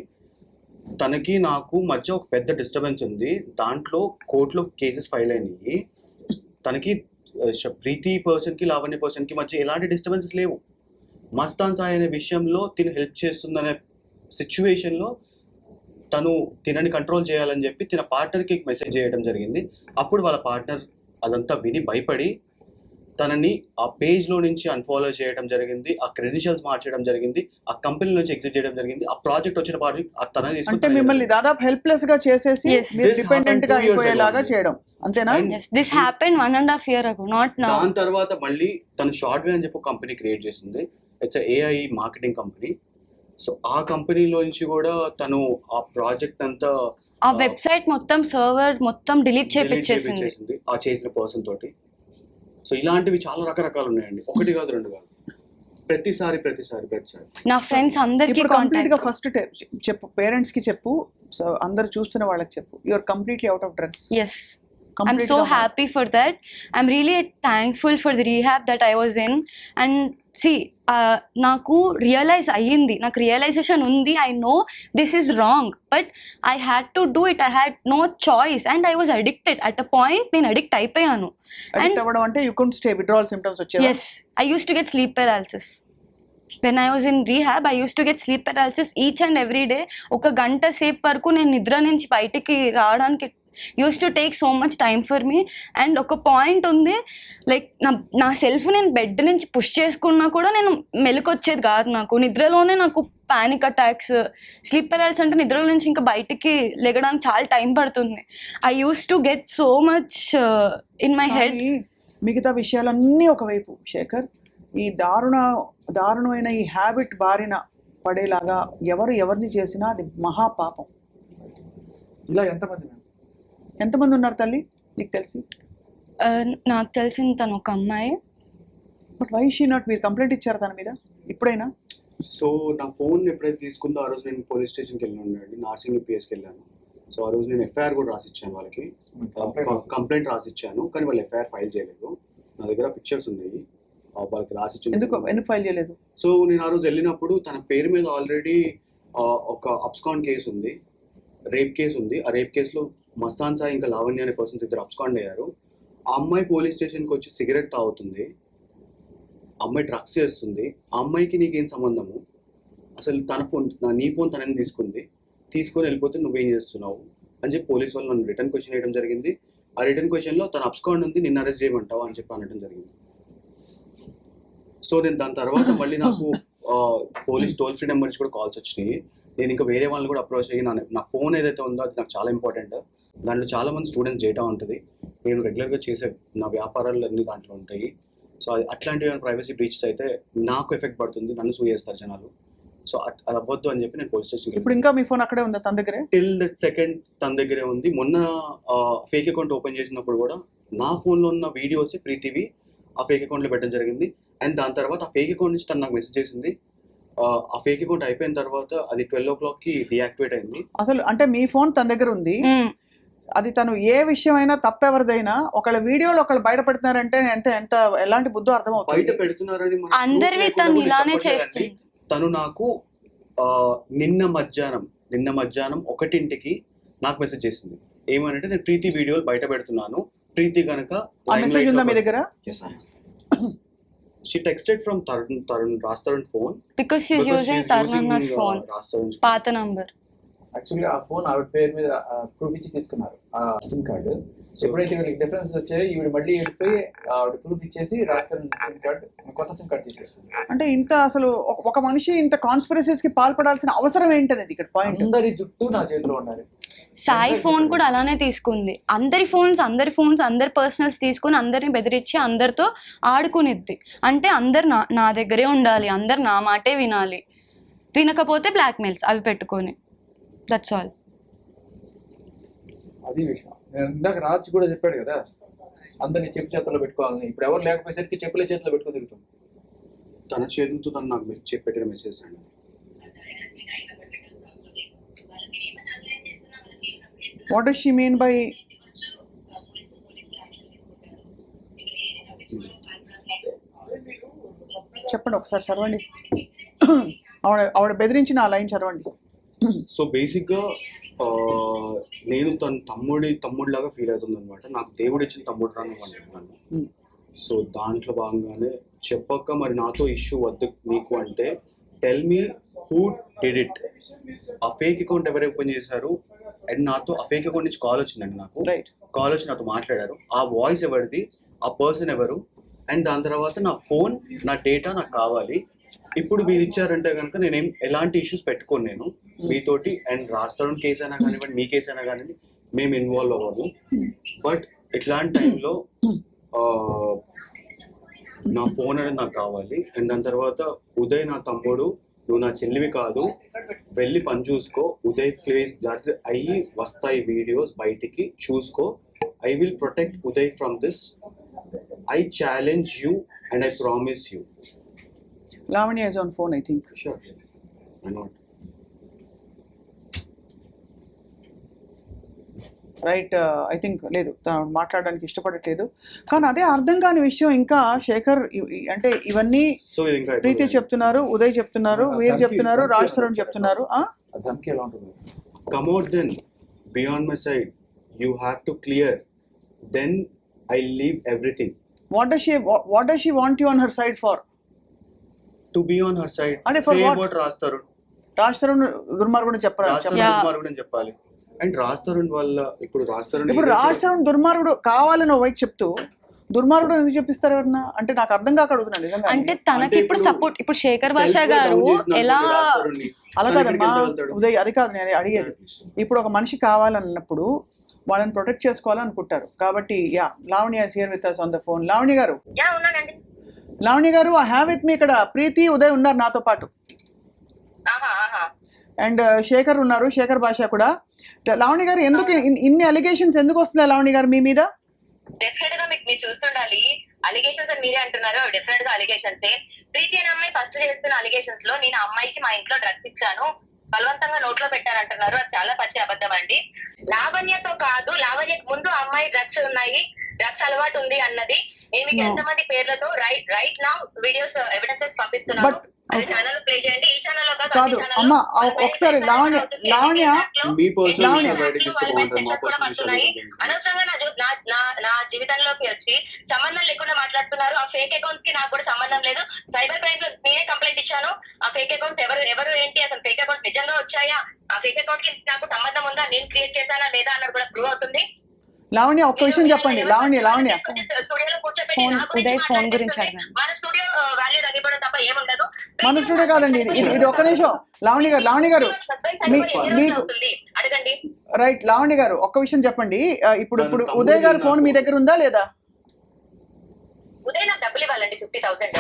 Speaker 4: తనకి నాకు మధ్య ఒక పెద్ద డిస్టర్బెన్స్ ఉంది, దాంట్లో కోర్టులో కేసెస్ ఫైల్ అయినాయి, తనకి ప్రీతి పర్సన్కి లావణ్య పర్సన్కి మధ్య ఎలాంటి డిస్టర్బెన్సెస్ లేవు, మస్తాన్ సాయి అనే విషయంలో తిను హెల్ప్ చేస్తుందనే సిచ్యువేషన్లో తను తినని కంట్రోల్ చేయాలని చెప్పి తిన పార్ట్నర్కి మెసేజ్ చేయడం జరిగింది. అప్పుడు వాళ్ళ పార్ట్నర్ అదంతా విని భయపడి తనని ఆ పేజ్లో నుంచి అన్ఫాలో చేయడం జరిగింది, ఆ క్రెడెన్షియల్స్ మార్చడం జరిగింది, ఆ కంపెనీ నుంచి ఎగ్జిట్ చేయడం జరిగింది. ఆ ప్రాజెక్ట్ వచ్చిన ప్రాజెక్ట్ తన
Speaker 1: అంటే మిమ్మల్ని దాదాపు హెల్ప్లెస్ గా చేసేసి డిపెండెంట్ గా అయిపోయేలాగా చేయడం, అంతేనా?
Speaker 3: This happened 1.5 years ago, not now.
Speaker 4: దాని తర్వాత మళ్ళీ తను షార్ట్ వే అని చెప్పి కంపెనీ క్రియేట్ చేసింది. It's AI marketing company. So ఆ కంపెనీలో నుంచి కూడా తను ఆ ప్రాజెక్ట్ అంతా
Speaker 3: ఆ వెబ్సైట్ మొత్తం సర్వర్ మొత్తం డిలీట్ చేపించేసింది
Speaker 4: ఆ చేసిన పర్సన్ తోటి. సో ఇలాంటివి చాలా రకరకాలు ఉన్నాయండి, ఒకటి కాదు రెండు కాదు, ప్రతిసారి
Speaker 3: నా ఫ్రెండ్స్ అందరికీ
Speaker 1: కంప్లీట్ గా ఫస్ట్ చెప్పు, పేరెంట్స్ కి చెప్పు, అందరు చూస్తున్న వాళ్ళకి చెప్పు, you are completely out of drugs.
Speaker 3: yes, I'm so happy for that. I'm really thankful for the rehab that I was in. And see, నాకు రియలైజ్ అయ్యింది, నాకు రియలైజేషన్ ఉంది. I know this is wrong, but I had to do it. I had no choice and I was addicted. At a point నేను addict అయిపోయాను.
Speaker 1: Addict అవ్వడం అంటే you couldn't stay, withdrawal symptoms వచ్చేవా?
Speaker 3: Yes, I used to get sleep paralysis. When I was in rehab, I used to get sleep paralysis each and every day. ఒక గంట సేపు వరకు నేను నిద్ర నుంచి బయటికి రావడానికి used to take so much time for me. And ఒక పాయింట్ ఉంది, లైక్ నా సెల్ఫ్ నేను బెడ్ నుంచి పుష్ చేసుకున్నా కూడా నేను మెలకొచ్చేది కాదు. నాకు నిద్రలోనే నాకు పానిక్ అటాక్స్, స్లీప్ పెరాలిసిస్ అంటే నిద్రలో నుంచి ఇంకా బయటికి లెగడానికి చాలా టైం పడుతుంది. I used to get so much in my head.
Speaker 1: మిగతా విషయాలన్నీ ఒకవైపు శేఖర్, ఈ దారుణమైన ఈ హ్యాబిట్ బారిన పడేలాగా ఎవరిని చేసినా అది మహాపాపం.
Speaker 5: ఇలా
Speaker 1: ఎంతమంది ఉన్నారు తల్లి నీకు తెలిసి?
Speaker 3: నాకు తెలిసిన తను ఒక అమ్మాయి.
Speaker 1: బట్ వై షీ నాట్, మీరు కంప్లైంట్ ఇచ్చారు తన మీద ఇప్పుడైనా?
Speaker 4: సో నా ఫోన్ ఎప్పుడైతే తీసుకుందో ఆ రోజు నేను పోలీస్ స్టేషన్కి వెళ్ళి ఉండండి, నార్సింగ్ పిఎస్కి వెళ్ళాను. సో ఆ రోజు నేను ఎఫ్ఐఆర్ కూడా రాసిచ్చాను వాళ్ళకి, కంప్లైంట్ రాసిచ్చాను, కానీ వాళ్ళు ఎఫ్ఐఆర్ ఫైల్ చేయలేదు. నా దగ్గర పిక్చర్స్ ఉన్నాయి వాళ్ళకి రాసిచ్చాను.
Speaker 1: ఎందుకు ఫైల్ చేయలేదు?
Speaker 4: సో నేను ఆ రోజు వెళ్ళినప్పుడు తన పేరు మీద ఆల్రెడీ ఒక అబ్స్కాండ్ కేసు ఉంది, రేప్ కేసు ఉంది. ఆ రేప్ కేసులో మస్తాన్ సాయి ఇంకా లావణ్య అనే పర్సన్స్ ఇద్దరు అబ్స్కాండ్ అయ్యారు. ఆ అమ్మాయి పోలీస్ స్టేషన్కి వచ్చి సిగరెట్ తాగుతుంది, అమ్మాయి డ్రగ్స్ చేస్తుంది. ఆ అమ్మాయికి నీకేం సంబంధము? అసలు తన ఫోన్ నీ ఫోన్ తనని తీసుకొని వెళ్ళిపోతే నువ్వేం చేస్తున్నావు అని చెప్పి పోలీస్ వాళ్ళు నన్ను రిటర్న్ క్వశ్చన్ వేయడం జరిగింది. ఆ రిటర్న్ క్వశ్చన్లో తన అబ్స్కాండ్ ఉంది, నిన్ను అరెస్ట్ చేయమంటావా అని చెప్పి అనడం జరిగింది. సో నేను దాని తర్వాత మళ్ళీ నాకు పోలీస్ టోల్ ఫ్రీ నెంబర్ నుంచి కూడా కాల్స్ వచ్చినాయి. నేను ఇంకా వేరే వాళ్ళని కూడా అప్రోచ్ అయ్యి నా ఫోన్ ఏదైతే ఉందో అది నాకు చాలా ఇంపార్టెంట్. దాంట్లో చాలా మంది స్టూడెంట్స్ డేటా ఉంటుంది, నేను రెగ్యులర్గా చేసే నా వ్యాపారాలు అన్ని దాంట్లో ఉంటాయి. సో అట్లాంటివి ప్రైవసీ బ్రీచెస్ అయితే నాకు ఎఫెక్ట్ పడుతుంది, నన్ను సూ చేస్తారు జనాలు. సో అది అవ్వద్దు అని చెప్పి నేను పోలీస్ స్టేషన్.
Speaker 1: ఇప్పుడు ఇంకా మీ ఫోన్ అక్కడే ఉందా తన దగ్గరే?
Speaker 4: టిల్ దట్ సెకండ్ తన దగ్గరే ఉంది. మొన్న ఫేక్ అకౌంట్ ఓపెన్ చేసినప్పుడు కూడా నా ఫోన్లో ఉన్న వీడియోస్ ప్రీతివి ఆ ఫేక్ అకౌంట్లో పెట్టడం జరిగింది. అండ్ దాని తర్వాత ఆ ఫేక్ అకౌంట్ నుంచి తను నాకు మెసేజ్ చేసింది. ఆ ఫేక్ అకౌంట్ అయిపోయిన తర్వాత అది 12 o'clockకి డియాక్టివేట్ అయింది.
Speaker 1: అసలు అంటే మీ ఫోన్ తన దగ్గర ఉంది, అది తను ఏ విషయమైనా తప్పెవరిదైనా ఒకళ్ళ వీడియోలో ఒకళ్ళు బయట పెడుతున్నారంటే ఎంత ఎలాంటి బుద్ధో అర్థమవుతుంది.
Speaker 4: బయట పెడుతున్నారని
Speaker 3: అందరివి తను ఇలానే చేస్తుంది.
Speaker 4: తను నాకు నిన్న మధ్యాహ్నం 1:00కి నాకు మెసేజ్ చేసింది. ఏమనంటే నేను ప్రీతి వీడియోలు బయట పెడుతున్నాను, ప్రీతి కనుక
Speaker 1: మెసేజ్ ఉందా మీ దగ్గర?
Speaker 4: She texted from Raj Tarun phone
Speaker 3: because she's using Tarun's phone, పాత నంబర్.
Speaker 5: యాక్చువల్లీ ఆ ఫోన్ ఆవిడ పేరు మీద ప్రూఫ్ ఇచ్చి తీసుకున్నారు ఆ సిమ్ కార్డు. ఎప్పుడైతే వీళ్ళకి డిఫరెన్స్ వచ్చాయో ఈవిడ మళ్ళీ వెళ్ళిపోయి ఆవిడ ప్రూఫ్ ఇచ్చేసి రాస్తారు సిమ్ కార్డు, కొత్త సిమ్ కార్డు తీసేసుకున్నారు.
Speaker 1: అంటే ఇంత అసలు ఒక మనిషి ఇంత కాన్స్పిరసీస్ కి పాల్పడాల్సిన అవసరం ఏంటనేది ఇక్కడ పాయింట్.
Speaker 5: అందరి జుట్టు నా చేతిలో ఉండాలి.
Speaker 3: సాయి ఫోన్ కూడా అలానే తీసుకుంది. అందరి ఫోన్స్ అందరి పర్సనల్స్ తీసుకుని అందరిని బెదిరించి అందరితో ఆడుకునిద్ది. అంటే అందరు నా దగ్గరే ఉండాలి, అందరు నా మాటే వినాలి, వినకపోతే బ్లాక్మెయిల్స్ అవి పెట్టుకొని. That's all.
Speaker 5: అది విషయం. నేను ఇందాక రాజ్ కూడా చెప్పాడు కదా, అందరినీ చెప్పు చేతుల్లో పెట్టుకోవాలని. ఇప్పుడు ఎవరు లేకపోయేసరికి చెప్పులే చేతిలో పెట్టుకుని తిరుగుతుంది.
Speaker 4: తన చేతులతో తను నాకు పెట్టిన మెసేజ్ అండి.
Speaker 1: What does she mean by? చెప్పండి ఒకసారి చదవండి. ఆవిడ బెదిరించిన ఆ లైన్ చదవండి.
Speaker 4: సో బేసిక్గా నేను తన తమ్ముడిలాగా ఫీల్ అవుతుంది అనమాట. నాకు దేవుడు ఇచ్చిన తమ్ముడు రాను. సో దాంట్లో భాగంగానే చెప్పక మరి నాతో ఇష్యూ వద్దు మీకు అంటే tell me who did it. ఆ ఫేక్ అకౌంట్ ఎవరు ఓపెన్ చేశారు అండ్ నాతో ఆ ఫేక్ అకౌంట్ నుంచి కాల్ వచ్చిందండి. నాకు కాల్ వచ్చి నాతో మాట్లాడారు. ఆ వాయిస్ ఎవరిది, ఆ పర్సన్ ఎవరు, అండ్ దాని తర్వాత నా ఫోన్ నా డేటా నాకు కావాలి. ఇప్పుడు మీరు ఇచ్చారంటే కనుక నేనేం ఎలాంటి ఇష్యూస్ పెట్టుకోను నేను మీతోటి. అండ్ రాస్తాడు కేసు అయినా కానివ్వండి, మీ కేసు అయినా కానివ్వండి, మేము ఇన్వాల్వ్ అవ్వము. బట్ ఇట్లాంటి టైంలో నా ఫోన్ అనేది నాకు కావాలి. అండ్ దాని తర్వాత ఉదయ్ నా తమ్ముడు, నువ్వు నా చెల్లివి కాదు, వెళ్ళి పని చూసుకో. ఉదయ్ ప్లేస్ అయ్యి వస్తాయి వీడియోస్ బయటికి, చూసుకో. I will protect Uday from this. I challenge you and I promise you.
Speaker 1: Lavanya is on phone, I think.
Speaker 4: Sure. Why not?
Speaker 1: Right. I think లేదు, తను మాట్లాడడానికి ఇష్టపడట్లేదు. కానీ అదే అర్థం కాని విషయం ఇంకా శేఖర్ అంటే ఇవన్నీ ప్రీతి చెప్తున్నారు, ఉదయ్ చెప్తున్నారు, వీర్ చెప్తున్నారు, రాజ్ తరుణ్ చెప్తున్నారు.
Speaker 4: Come out then, be on my side. You have to clear. Then I leave everything.
Speaker 1: What does she want you on her side for?
Speaker 4: To be on her side. Say about Raj Tarun.
Speaker 1: Raj Tarun దుర్మార్గుడు
Speaker 4: చెప్పాలి. And Raj Tarun వల్ల ఇప్పుడు రాజ్ తరుణ్
Speaker 1: దుర్మార్గుడు కావాలని వైపు చెప్తూ దుర్మార్గుడు ఎందుకు చెప్పిస్తారు ఎవరన్నా అంటే నాకు అర్థం కాక అడుగుతున్నాను నిజంగా.
Speaker 3: అంటే తనకి ఇప్పుడు సపోర్ట్, ఇప్పుడు శేఖర్ భాష గారు ఎలా
Speaker 1: అలా కాదమ్మా ఉదయ్, అది కాదు నేను అడిగేది. ఇప్పుడు ఒక మనిషి కావాలన్నప్పుడు వాళ్ళని ప్రొటెక్ట్ చేసుకోవాలనుకుంటారు. కాబట్టి Lavanya is here with us on the phone. Lavanya garu I have with me ఇక్కడ ప్రీతి, ఉదయ్ ఉన్నారు నాతో పాటు. అండ్ శేఖర్ ఉన్నారు, శేఖర్ భాష కూడా. లావణ్య గారు ఎందుకు ఇన్ని అలిగేషన్స్ ఎందుకు వస్తున్నాయి లావణ్య గారు మీ మీద?
Speaker 6: డెఫినెట్ గా మీరు చూస్తుండాలి. అలిగేషన్స్ అని మీరే అంటున్నారు, డెఫినెట్ గా అలిగేషన్స్. ప్రీతి అనే అమ్మాయి ఫస్ట్ చేస్తున్న అలిగేషన్స్ లో నేను అమ్మాయికి మా ఇంట్లో డ్రగ్స్ ఇచ్చాను, బలవంతంగా నోట్లో పెట్టారంటున్నారు. అది చాలా పచ్చి అబద్ధం అండి. లావణ్యతో కాదు, లావణ్యకు ముందు అమ్మాయి డ్రగ్స్ ఉన్నాయి, డ్రగ్స్ అలవాటు ఉంది అన్నది నేను మీకు ఎంతమంది పేర్లతో రైట్ నౌ వీడియోస్ ఎవిడెన్సెస్ పంపిస్తున్నాను.
Speaker 1: But-
Speaker 6: అది ఛానల్ ప్లే చేయండి. ఈ ఛానల్
Speaker 1: కాదు అమ్మ ఒకసారి లావణ్య
Speaker 4: మీ పర్సనల్
Speaker 1: లావణ్య.
Speaker 4: బయటకి ఇస్తే బాగుంటుంది. మా పర్సనల్ విషయాలు
Speaker 6: అనవసరంగా నా జీవితంలోకి వచ్చి సంబంధం లేకుండా మాట్లాడుతున్నారు. ఆ ఫేక్ అకౌంట్స్ కి నాకు కూడా సంబంధం లేదు. సైబర్ క్రైమ్ లో నేనే కంప్లైంట్ ఇచ్చాను. ఆ ఫేక్ అకౌంట్స్ ఎవరు ఏంటి, అసలు ఫేక్ అకౌంట్స్ నిజంగా వచ్చాయా, ఆ ఫేక్ అకౌంట్ కి నాకు సంబంధం ఉందా, నేను క్రియేట్ చేశానా లేదా అన్నది కూడా ప్రూవ్ అవుతుంది.
Speaker 1: లావణ్య ఒక్క విషయం చెప్పండి. లావణ్య
Speaker 6: స్టూడియోలో కూర్చోబెట్టి
Speaker 3: ఫోన్,
Speaker 6: నా గురించి
Speaker 3: ఉదయ్ ఫోన్ గురించి
Speaker 6: మాట్లాడిస్తుంటే
Speaker 3: అడగండి.
Speaker 6: మన స్టూడియో వాల్యూ తగ్గిపోవడం తప్ప ఏముండదు.
Speaker 1: మన స్టూడియో కాదండి ఇది ఒక్క నిమిషం. లావణ్య గారు మీకు
Speaker 6: అడగండి.
Speaker 1: రైట్. లావణ్య గారు ఒక్క విషయం చెప్పండి. ఇప్పుడు ఉదయ్ గారి ఫోన్ మీ దగ్గర ఉందా లేదా?
Speaker 6: ఉదయ్ నాకు డబ్బులు ఇవ్వాలండి 50,000.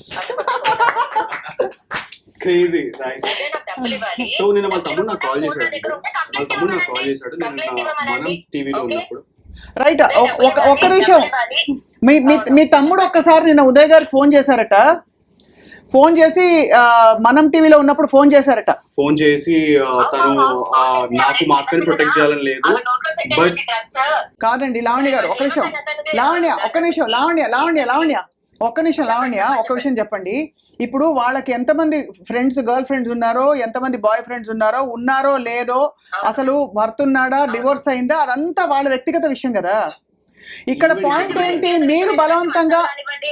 Speaker 4: క్రేజీ.
Speaker 6: ఉదయ్ నాకు డబ్బులు ఇవ్వాలి.
Speaker 4: సో నేను వాళ్ళ తమ్ముడు నాకు కాల్ చేశాడు. నేను మనం టీవీలో ఉన్నప్పుడు.
Speaker 1: రైట్. ఒక్క నిమిషం. మీ తమ్ముడు ఒక్కసారి నిన్న ఉదయ్ గారికి ఫోన్ చేశారట. ఫోన్ చేసి మనం టీవీలో ఉన్నప్పుడు ఫోన్ చేశారట.
Speaker 4: ఫోన్ చేసి తను నాకు మా అక్కని ప్రొటెక్ట్ చేయాలని లేదు. బట్
Speaker 1: కాదండి లావణ్య గారు ఒక్క నిమిషం. లావణ్య ఒక్క నిమిషం. ఒక్క విషయం చెప్పండి. ఇప్పుడు వాళ్ళకి ఎంతమంది గర్ల్ ఫ్రెండ్స్ ఉన్నారో, ఎంతమంది బాయ్ ఫ్రెండ్స్ ఉన్నారో లేదో, అసలు భర్త ఉన్నాడా, డివోర్స్ అయిందా, అదంతా వాళ్ళ వ్యక్తిగత విషయం కదా. ఇక్కడ పాయింట్ ఏంటి, మీరు బలవంతంగా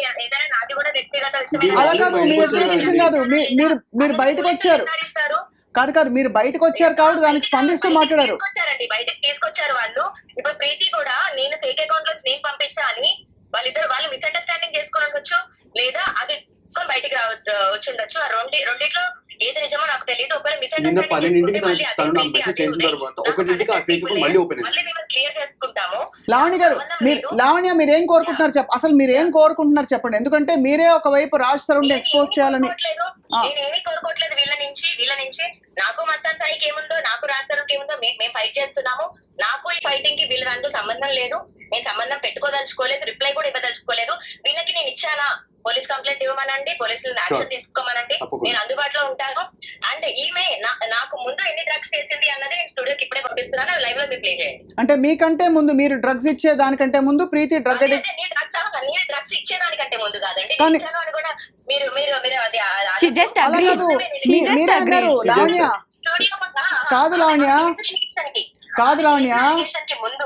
Speaker 1: అలా కాదు, మీ వ్యక్తిగత విషయం కాదు. మీరు బయటకు వచ్చారు కాదు మీరు బయటకు వచ్చారు కాబట్టి దానికి స్పందిస్తూ మాట్లాడారు.
Speaker 6: బయటకు తీసుకొచ్చారు వాళ్ళు. ఇప్పుడు ప్రీతి కూడా నేను ఫేక్ అకౌంట్ లో నేను పంపించా అని వాళ్ళు మిస్అండర్స్టాండింగ్ చేసుకుని ఉండొచ్చు, లేదా అది బయటికి వచ్చి ఉండొచ్చు. ఆ రెండిట్లో ఏది నిజమో నాకు తెలియదు. ఒకవేళ
Speaker 4: నిన్న 10:00 తను నాకు మెసేజ్ చేసిన తర్వాత 1:00 ఆ ఫేక్ అకౌంట్ మళ్ళీ ఓపెన్ అయింది.
Speaker 6: క్లియర్ చేసుకుంటాము.
Speaker 1: లావణ్య గారు మీరు ఏం కోరుకుంటున్నారు అసలు మీరు ఏం కోరుకుంటున్నారు చెప్పండి. ఎందుకంటే మీరే ఒకవైపు రాజ్ తరుణ్ ఎక్స్పోజ్ చేయాలని.
Speaker 6: నేనేమీ కోరుకోవట్లేదు వీళ్ళ నుంచి. నాకు మస్తాన్ సాయికి ఏముందో, నాకు రాజ్ తరుణ్కి ఏముందో మేము ఫైట్ చేస్తున్నాము. నాకు ఈ ఫైటింగ్ కి వీళ్ళ దాంట్లో సంబంధం లేదు. నేను సంబంధం పెట్టుకోదలుచుకోలేదు, రిప్లై కూడా ఇవ్వదలుచుకోలేదు. వీళ్ళకి నేను ఇచ్చానా, పోలీస్ కంప్లైంట్ ఇవ్వమనండి, పోలీసులు యాక్షన్ తీసుకోమనండి, నేను అందుబాటులో ఉంటాను. అండ్ ఈమె నాకు ముందు ఎన్ని డ్రగ్స్ చేసింది అన్నది నేను స్టూడియోకి ఇప్పుడే పంపిస్తున్నాను. లైవ్ లో మీరు ప్లే చేయండి.
Speaker 1: అంటే మీకంటే ముందు, మీరు డ్రగ్స్ ఇచ్చే దానికంటే ముందు ప్రీతి డ్రగ్ అడిక్ట్.
Speaker 6: డ్రగ్స్ ఇచ్చేదానికంటే ముందు కాదండి,
Speaker 1: కానీ-
Speaker 6: ఇచ్చాను అని కూడా మీరు అది
Speaker 3: She just
Speaker 1: అలా
Speaker 3: agreed.
Speaker 1: కాదు.
Speaker 3: She just
Speaker 1: మీరే అన్నారు
Speaker 3: agreed.
Speaker 1: లావణ్య.
Speaker 6: స్టూడియో
Speaker 1: కాదు లావణ్య.
Speaker 6: ముందు